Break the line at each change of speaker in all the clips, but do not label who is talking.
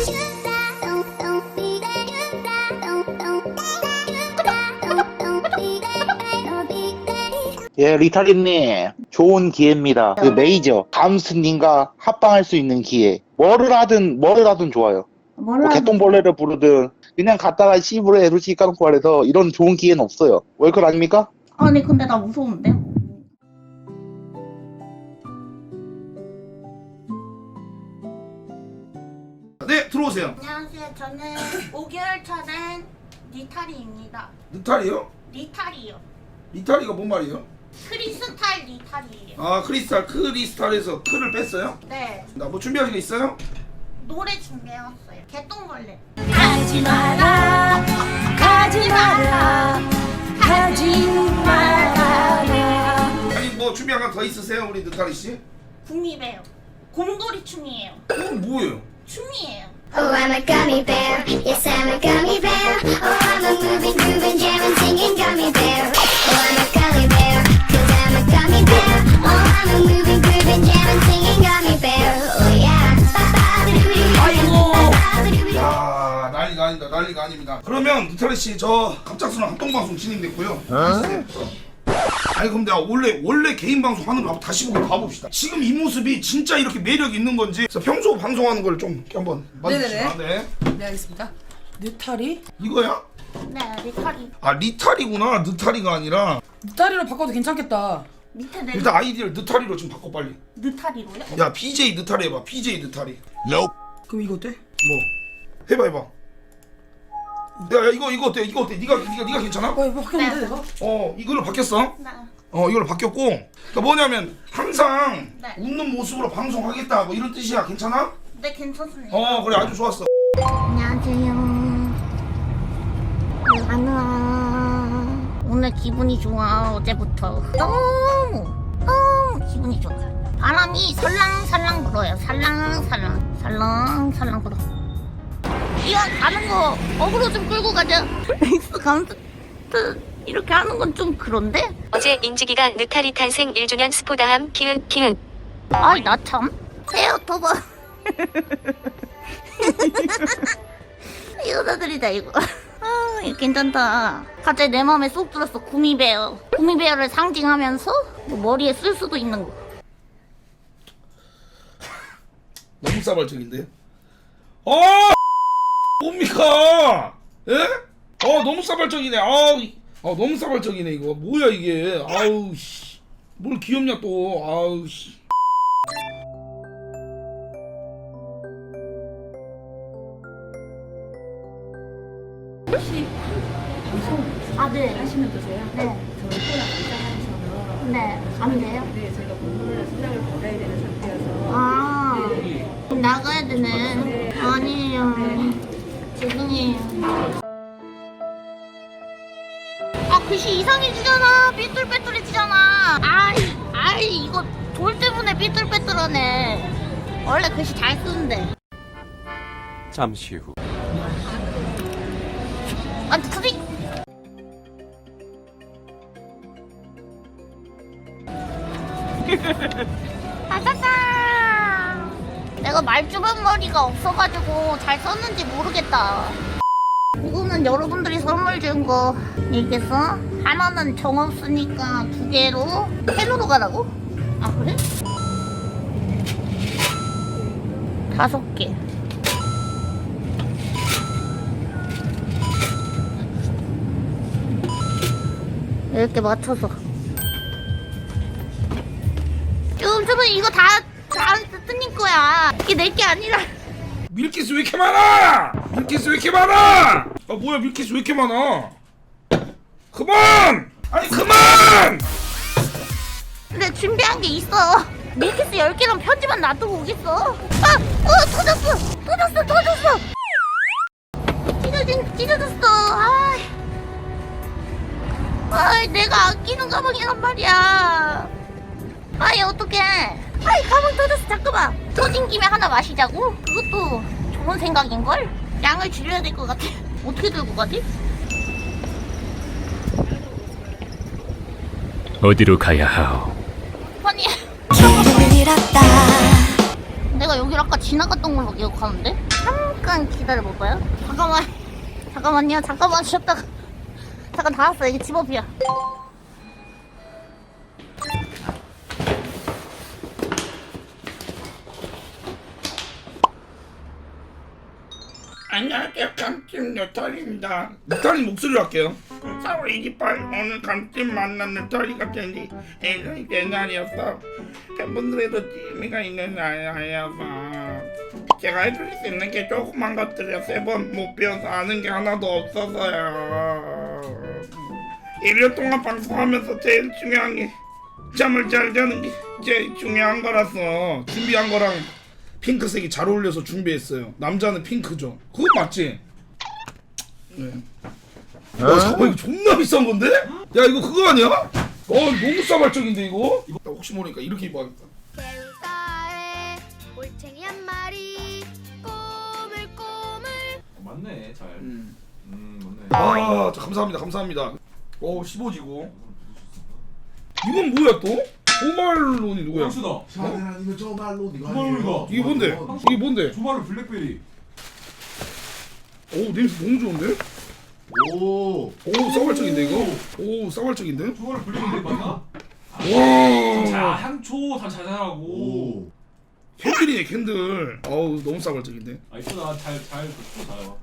예, 리타리님 좋은 기회입니다. 그 메이저 감스님과 합방할 수 있는 기회. 뭐를 하든 좋아요. 뭐 개똥벌레를 부르든 그냥 갔다가 씨부를 에루시 까놓고 말해서 이런 좋은 기회는 없어요. 월클 아닙니까?
아니 근데 나 무서운데?
네, 들어오세요.
안녕하세요. 저는 5개월 차 된 리타리입니다.
느타리요?
리타리요.
리타리가 뭔 말이에요?
크리스탈 리타리예요.
아, 크리스탈에서 크를 뺐어요?
네.
나 뭐 준비하신 거 있어요?
노래 준비해왔어요. 개똥벌레.
가지 마라 가지 마라 가지 마라.
아니 뭐 준비한 거 더 있으세요, 우리 느타리 씨?
구미배요. 곰돌이 춤이에요.
그건 뭐예요?
춤이에요.
Oh, I'm a gummy bear. Yes, I'm a gummy bear. Oh, I'm a moving, grooving, jamming, singing gummy bear. Oh, I'm a gummy bear. 'Cause I'm a gummy bear. Oh, I'm a moving, grooving, jamming, singing gummy bear. Oh, yeah.
아이고. 야, 난리가 아닙니다. 그러면 느타리 씨, 저 갑작스러운 합동 방송 진행됐고요. 아니 그럼 내가 원래 개인 방송 하는 거 한번 다시 보고 봐봅시다. 지금 이 모습이 진짜 이렇게 매력 있는 건지. 그래서 평소 방송하는 걸 좀 이렇게 한번 봐주시죠. 네.
네, 알겠습니다. 느타리?
이거야?
네, 리타리.
아, 리타리구나. 느타리가 아니라.
느타리로 바꿔도 괜찮겠다.
밑에 내려.
일단 아이디를 느타리로 좀 바꿔 빨리.
느타리로요?
야, BJ 느타리 해봐. BJ 느타리.
그럼 이거 어때?
뭐 해봐. 야, 이거 어때? 네가 괜찮아?
이거 바뀌었는데 내가?
이걸로 바뀌었어.
네.
이걸로 바뀌었고. 그러니까 뭐냐면 항상
네.
웃는 모습으로 방송하겠다 뭐 이런 뜻이야. 괜찮아?
네, 괜찮습니다.
그래, 아주 좋았어.
안녕하세요. 안녕. 오늘 기분이 좋아. 어제부터 너무 기분이 좋아. 바람이 살랑살랑 불어요. 살랑살랑 불어. 이왕 가는 거 어그로 좀 끌고 가자. 엑스 감스 이렇게 하는 건 좀 그런데?
어제 인지기가 느타리 탄생 1주년 스포다함 키읔.
아이 나 참. 헤어터버. 여자들이다 이거. 이거 괜찮다. 갑자기 내 마음에 쏙 들었어. 구미베어. 구미베어를 상징하면서 뭐 머리에 쓸 수도 있는 거.
너무 싸발적인데? 뭡니까? 예? 너무 싸발적이네. 너무 싸발적이네 이거. 뭐야 이게? 아우 씨. 뭘 귀엽냐 또. 아우 씨.
아 네.
하시면 되세요?
네.
저희 코랑 입장하셔서
네. 안 돼요?
네, 저희가 본문을 수량을 받아야 되는 상태여서
아. 그럼 나가야 되네. 아니에요. 죄송해요. 아 글씨 이상해지잖아. 삐뚤빼뚤해지잖아. 아이 이거 돌 때문에 삐뚤빼뚤하네. 원래 글씨 잘 쓰는데.
잠시 후.
아 트릭. 아싸싸. 내가 말주변 머리가 없어가지고 잘 썼는지 모르겠다. 이거는 여러분들이 선물 준 거. 이겠어? 하나는 정 없으니까 2개로 펜으로 가라고? 아 그래? 5개. 이렇게 맞춰서. 좀 이거 다 뜨님 거야. 이게 내 게 아니라.
밀키스 왜 이렇게 많아? 뭐야 밀키스 왜 이렇게 많아? 그만! 아니 그만!
근데 준비한 게 있어. 밀키스 10개랑 편지만 놔두고 오겠어. 터졌어. 찢어졌어. 내가 아끼는 가방이란 말이야. 어떡해. 가방 터졌어. 잠깐만. 터진 김에 하나 마시자고? 그것도 좋은 생각인걸? 양을 줄여야 될 것 같아. 어떻게 들고 가지?
어디로 가야 하오?
아니.
길을 잃었다.
내가 여기를 아까 지나갔던 걸로 기억하는데? 잠깐 기다려볼까요? 잠깐만요. 잠깐만 쉬었다가 잠깐 다 왔어. 이게 집 앞이야.
안녕하세요, 감찜 느타리입니다. 느타리 목소리로 할게요. 4월 28일 오늘 감찜 만난 느타리가 된지 예전이 된 날이었어. 팬분들에도 재미가 있는 날이어서 제가 해줄 수 있는 게 조그만 것들이야. 3번 못 배워서 아는 게 하나도 없어서요. 1년 동안 방송하면서 제일 중요한 게 잠을 잘 자는 게 제일 중요한 거라서 준비한 거랑 핑크색이 잘 어울려서 준비했어요. 남자는 핑크죠. 그거 맞지? 네. 잠깐만 이거 존나 비싼 건데? 야 이거 그거 아니야? 너무 싸발적인데 이거? 나 혹시 모르니까 이렇게 입어야겠다.
갯가에 올챙이 한 마리 꼬물꼬물.
맞네 잘. 맞네.
아, 감사합니다. 15지고. 이건 뭐야 또? 조말론이 누구야?
황수다.
이거 저 말로 이거
조말론이다.
이게 뭔데? 이게 뭔데?
조말론 블랙베리.
오 냄새 너무 좋은데?
오.
오 싸발적인데 이거? 오 싸발적인데?
조말론 블랙베리 맞나? 자
와
향초 다 자잘하고.
오.
캔들이네 캔들. 어우 너무 싸발적인데?
아 이쁘다 잘잘 나와.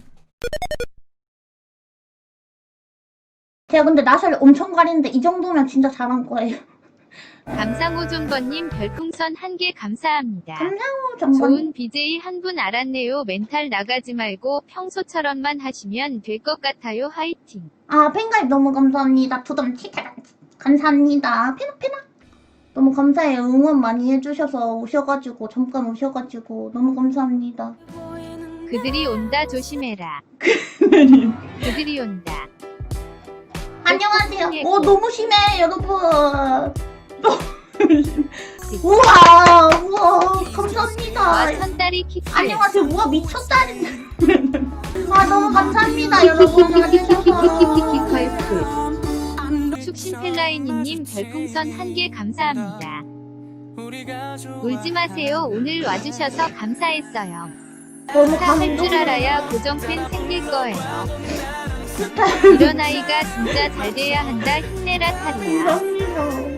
제가 근데 낯을 엄청 가리는데 이 정도면 진짜 잘한 거예요.
감상호종번님 별풍선 1개 감사합니다.
감사합니다. 정말.
좋은 BJ 한 분 알았네요. 멘탈 나가지 말고 평소처럼만 하시면 될 것 같아요. 화이팅.
아, 팬가입 너무 감사합니다. 두덤 치카 감사합니다. 페나 너무 감사해요. 응원 많이 해주셔서 오셔가지고 잠깐 오셔가지고 너무 감사합니다.
그들이 온다 조심해라. 그들이 온다.
안녕하세요. 오 너무 심해 여러분. 우와 감사합니다.
와 천다리 키스.
안녕하세요. 우와 미쳤다. 아 너무 감사합니다 여러분. 와주셔서.
축신펠라이니님 별풍선 1개 감사합니다. 울지 마세요. 오늘 와주셔서 감사했어요.
너무
스타할 줄
감동.
알아야 고정팬 생길 거예요. 이런 아이가 진짜 잘 돼야 한다. 힘내라 타리야.
감사합니다.